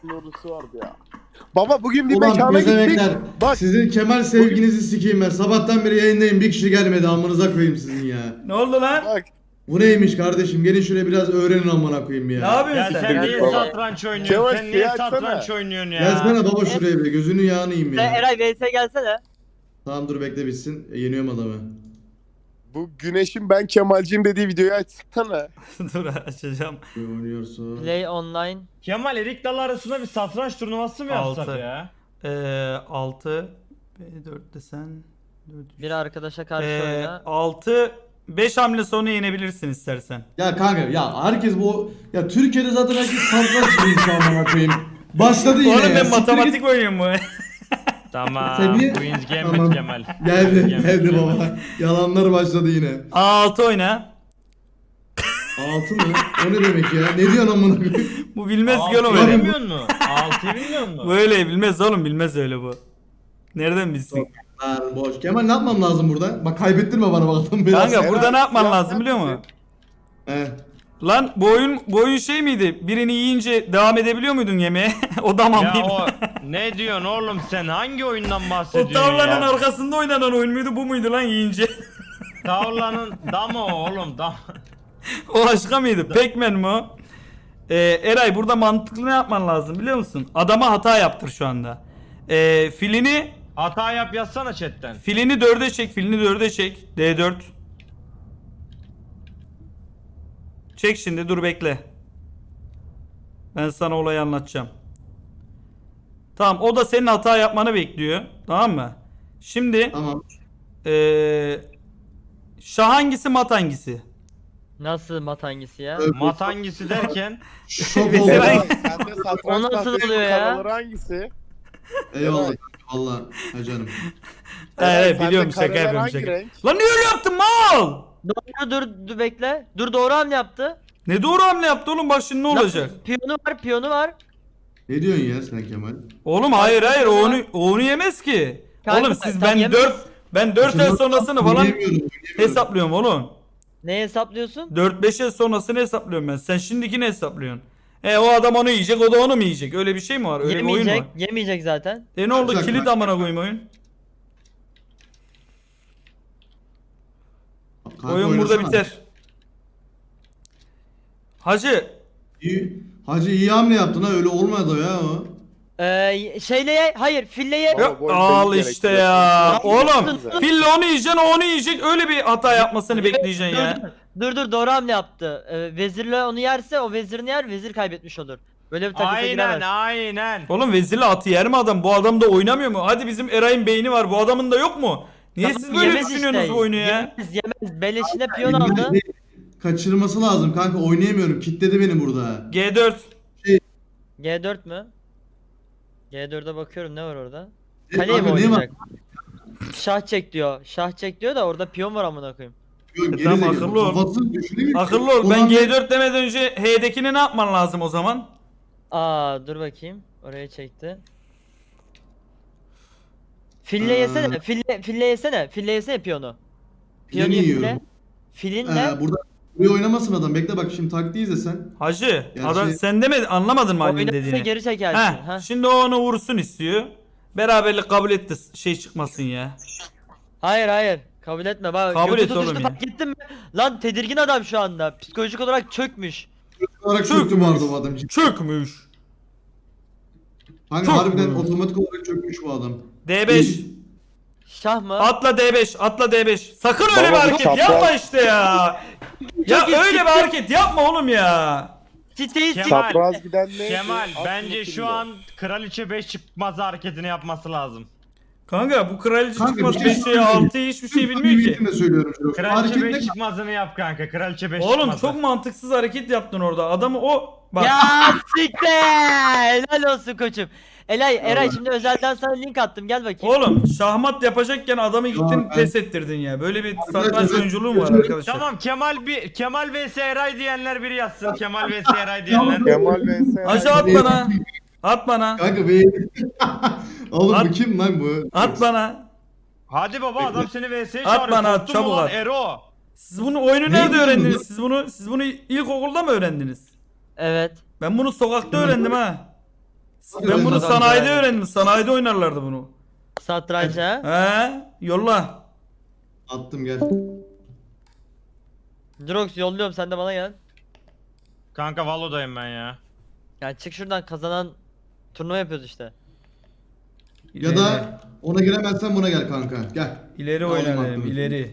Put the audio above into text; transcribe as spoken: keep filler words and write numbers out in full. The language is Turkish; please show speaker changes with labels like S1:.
S1: Doğrusu vardı ya. Baba bugün bir
S2: Ulan
S1: mekana gittik.
S2: bezemekler.
S1: Bak
S2: Sizin Kemal sevginizi sikeyim ben. Sabahtan beri yayındayım. Bir kişi gelmedi. Amınıza koyayım sizin ya.
S3: Ne oldu lan?
S1: bak.
S2: Bu neymiş kardeşim? Gelin şuraya biraz öğrenin amına koyayım ya.
S3: Ne yapıyorsun
S4: Ya
S3: sen?
S4: sen
S1: Gel
S4: niye
S1: baba.
S4: satranç oynuyorsun?
S1: Kemal,
S4: Sen niye
S1: şey açsana.
S4: satranç oynuyorsun ya?
S2: Gelsene baba şuraya bir. Gözünün yağını yiyeyim
S5: Sen
S2: ya.
S5: Eray V S gelsene.
S2: Tamam dur bekle bitsin. E, yeniyorum adamı.
S1: Bu Güneş'in ben Kemalciyim dediği videoyu açsana.
S3: Dur açacağım.
S2: Bir oynuyorsun.
S5: Play online.
S4: Kemal Erik Dalı arasında bir satranç turnuvası mı yapsak
S3: Altı.
S4: ya?
S3: Ee, altı. B dört desen.
S5: Bir arkadaşa karşı
S3: Ee,
S5: oyna.
S3: altı. beş hamle sonra yenebilirsin istersen.
S2: Ya kanka ya herkes bu ya Türkiye'de zaten herkes satranç biliyor şu an amına koyayım. Başladı yine
S3: Oğlum
S2: ya.
S3: ben
S2: Siktir
S3: matematik
S2: git.
S3: oynuyorum bu.
S4: Tamam.
S2: Sen niye-
S4: Queen's Gambit
S2: Tamam.
S4: Kemal.
S2: Geldi
S4: Gambit
S2: geldi
S4: Kemal.
S2: baba. Yalanlar başladı yine.
S3: altı oyna.
S2: Altı mı? O ne demek ya? Ne diyorsun amına koyayım?
S3: Bu bilmez ki
S4: Altıyı
S3: oğlum öyle.
S4: bilmiyor musun? Altıyı bilmiyor musun?
S3: Böyle bilmez oğlum, bilmez öyle bu. Nereden bilsin?
S2: Lan boş. Kemal ne yapmam lazım burada? Bak kaybettirme bana bakalım biraz.
S3: Kanka
S1: Helal.
S3: burada ne yapman
S1: Ya
S3: lazım
S1: sen
S3: biliyor
S1: bizi-
S3: musun?
S2: He.
S3: Lan bu oyun, bu oyun şey miydi? Birini yiyince devam edebiliyor muydun yemeğe? O da mı?
S4: Ya o ne diyorsun oğlum sen? Hangi oyundan
S3: O
S4: bahsediyorsun
S3: tavlanın
S4: ya?
S3: arkasında oynanan oyun muydu, bu muydu lan yiyince?
S4: Tavlanın damı o oğlum dam.
S3: O başka mıydı? Pac-Man mi o? Ee, Eray burada mantıklı ne yapman lazım biliyor musun? Adama hata yaptır şu anda. Ee, filini
S4: Hata yap yazsana chatten.
S3: filini dörde çek, filini dörde çek. D dört. Çek şimdi, dur bekle. Ben sana olayı anlatacağım. Tamam, o da senin hata yapmanı bekliyor. Tamam mı? Şimdi
S2: Tamam.
S3: ee, şah hangisi, mat hangisi?
S5: Nasıl mat hangisi ya?
S4: Mat hangisi derken?
S2: Şok oldum.
S3: Mesela-
S1: Eray, sende satranç
S5: O nasıl
S1: tahtası
S5: oluyor ya?
S1: karaları hangisi?
S2: Eyvallah. Valla. Ha canım.
S3: Evet,
S1: sende
S3: biliyorum, şaka
S1: kareler
S3: yapıyorum,
S1: hangi
S3: şaka.
S1: renk?
S3: Lan niye öyle yaptın mal?
S5: Doğru dur, dur bekle. Dur doğru hamle yaptı.
S3: Ne doğru hamle yaptı oğlum, bak şimdi ne olacak?
S5: Lan, piyonu var piyonu var.
S2: Ne diyorsun ya sen Kemal?
S3: Oğlum hayır hayır, o onu, o onu yemez ki.
S5: Kanka,
S3: Oğlum siz
S5: sen
S3: ben
S5: yemez.
S3: dört ben dört el sonrasını falan
S2: Oynayamıyorum, oynayamıyorum.
S3: hesaplıyorum oğlum.
S5: Ne hesaplıyorsun?
S3: dört beş el sonrasını hesaplıyorum ben. Sen şimdikini hesaplıyorsun. E o adam onu yiyecek, o da onu mu yiyecek? Öyle bir şey mi var? Öyle bir oyun
S5: Yemeyecek.
S3: var.
S5: Yemeyecek zaten.
S3: E ne oldu?
S2: Bak,
S3: Kilit
S2: bak.
S3: amına koyayım oyun.
S2: Kanka
S3: Oyun burada
S2: oynasana.
S3: biter. Hacı,
S2: İyi. Hacı iyi hamle yaptın ha, öyle olmadı ya o.
S5: Ee, şeyle ye, hayır fille ye.
S1: Baba,
S3: ya,
S1: bu oyun
S3: al
S1: beyin
S3: işte
S1: gerektiriyor.
S3: ya.
S1: Nasıl
S3: Oğlum
S1: yaptın?
S3: fille onu yiyeceksin, o onu yiyecek. Öyle bir hata yapmasını bekleyeceksin
S5: Dur,
S3: ya.
S5: Dur dur doğru hamle yaptı. Ee, vezirle onu yerse o vezirini yer, vezir kaybetmiş olur. Böyle bir takısa
S4: Aynen
S5: giremez.
S4: aynen.
S3: Oğlum vezirle atı yer mi adam? Bu adam da oynamıyor mu? Hadi bizim Eray'ın beyni var. Bu adamın da yok mu? Niye
S5: Tamam,
S3: siz böyle
S5: yemez
S3: düşünüyorsunuz
S5: işte.
S3: bu oyunu ya?
S5: Yemez yemez. Beleşine piyon
S2: Elimden
S5: aldı.
S2: bir Kaçırması lazım kanka, oynayamıyorum. Kitledi beni burada.
S3: G dört.
S5: G dört mü? G dörde bakıyorum, ne var orada?
S2: E,
S5: Kaleye mi
S2: kanka, ne var?
S5: oynayacak? Şah çek diyor. Şah çek diyor da orada piyon var amına koyayım.
S2: Yok,
S3: E,
S2: geri
S3: tamam,
S2: zekalı.
S3: akıllı ol.
S2: Kafası düşünemiyor ki.
S3: Akıllı ol. Ben
S2: Ulan
S3: G dört demeden önce H'dekini ne yapman lazım o zaman?
S5: Aa dur bakayım. Oraya çekti. Fille
S2: Aa.
S5: yesene. Fille, fille yesene. Fille yesene piyonu. Piyonu
S2: Filini
S5: ye
S2: yiyorum.
S5: fille. Filinle.
S2: Ee, burada buraya oynamasın adam. Bekle bak şimdi taktiği izle sen.
S3: Hacı,
S2: Yani
S3: adam
S2: şey-
S3: sen demedin, anlamadın mı Ali'nin
S5: Oynarsa
S3: dediğini?
S5: geri çekersin.
S3: Heh,
S5: Ha.
S3: şimdi o onu vursun istiyor. Beraberlik kabul etti, şey çıkmasın ya.
S5: Hayır hayır. Kabul etme bak.
S3: Kabul
S5: götü
S3: et oğlum
S5: tutuştu,
S3: ya.
S5: fark ettin mi? Lan tedirgin adam şu anda. Psikolojik olarak çökmüş.
S2: Olarak
S3: Çökmüş.
S2: çöktü bu arada bu adam.
S3: Çökmüş.
S2: Kanka
S3: Çok
S2: harbiden
S3: mu?
S2: otomatik olarak çökmüş bu adam.
S3: D beş.
S5: Şah mı?
S3: Atla D beş, atla D beş. Sakın öyle bir
S1: Baba,
S3: hareket
S1: çapraz.
S3: yapma işte ya. Ya
S5: Çok iyi.
S3: öyle bir hareket yapma oğlum ya.
S5: Siteyi
S4: Kemal.
S5: sik.
S1: Çapraz giden ne?
S4: Kemal
S1: At
S4: bence
S1: bakayım
S4: şu
S1: da.
S4: an kraliçe beş çıkmaz hareketini yapması lazım.
S3: Kanka bu kraliçe
S2: Kanka,
S3: çıkmaz
S2: bir şey
S3: beş şey
S2: söyleyeyim.
S3: altı hiçbir şey bilmiyor ki.
S2: Samimiyetimle söylüyorum şunu.
S4: Kraliçe
S2: Hareket
S4: beş
S2: ne?
S4: çıkmazını yap kanka. Kraliçe beş
S3: Oğlum
S4: çıkmazı.
S3: çok mantıksız hareket yaptın orada. Adamı o bak.
S5: Ya siktir. Helal olsun koçum. Elay, Eray
S2: Allah.
S5: şimdi özelden sana link attım, gel bakayım.
S3: Oğlum şahmat yapacakken adamı gittin
S2: Tamam, ben-
S3: pes ettirdin ya. Böyle bir satranç
S2: Arkadaşlar,
S3: oyunculuğu mu var
S2: Tamam.
S3: arkadaşlar?
S4: Tamam Kemal bir Kemal vs Eray diyenler biri yazsın. Kemal vs Eray diyenler.
S1: Kemal vs.
S3: Hacı at bana. At bana.
S2: Kanka be. Oğlum
S3: At.
S2: bu kim lan bu?
S3: At bana.
S4: Hadi baba adam seni vs'ye
S3: At
S4: çağırıyor.
S3: bana, at,
S4: Korktun mu
S3: çabuk
S4: lan
S3: at.
S4: Ero.
S3: Siz bunu oyunu
S2: Ne
S3: nerede
S2: diyorsun
S3: öğrendiniz?
S2: lan?
S3: Siz bunu siz bunu ilkokulda mı öğrendiniz?
S5: Evet.
S3: Ben bunu sokakta öğrendim ha. Ben bunu
S2: Satranç.
S3: sanayide öğrendim. Sanayide oynarlardı bunu.
S5: Satranç ha.
S3: He, yolla.
S2: Attım gel.
S5: Drox yolluyorum sen de bana gel.
S4: Kanka Valo'dayım ben ya.
S5: Yani çık şuradan kazanan turnuva yapıyoruz işte.
S2: Ya da ona giremezsen buna gel kanka. Gel.
S3: ileri
S2: Alayım
S3: oynayalım,
S2: aklını.
S3: ileri.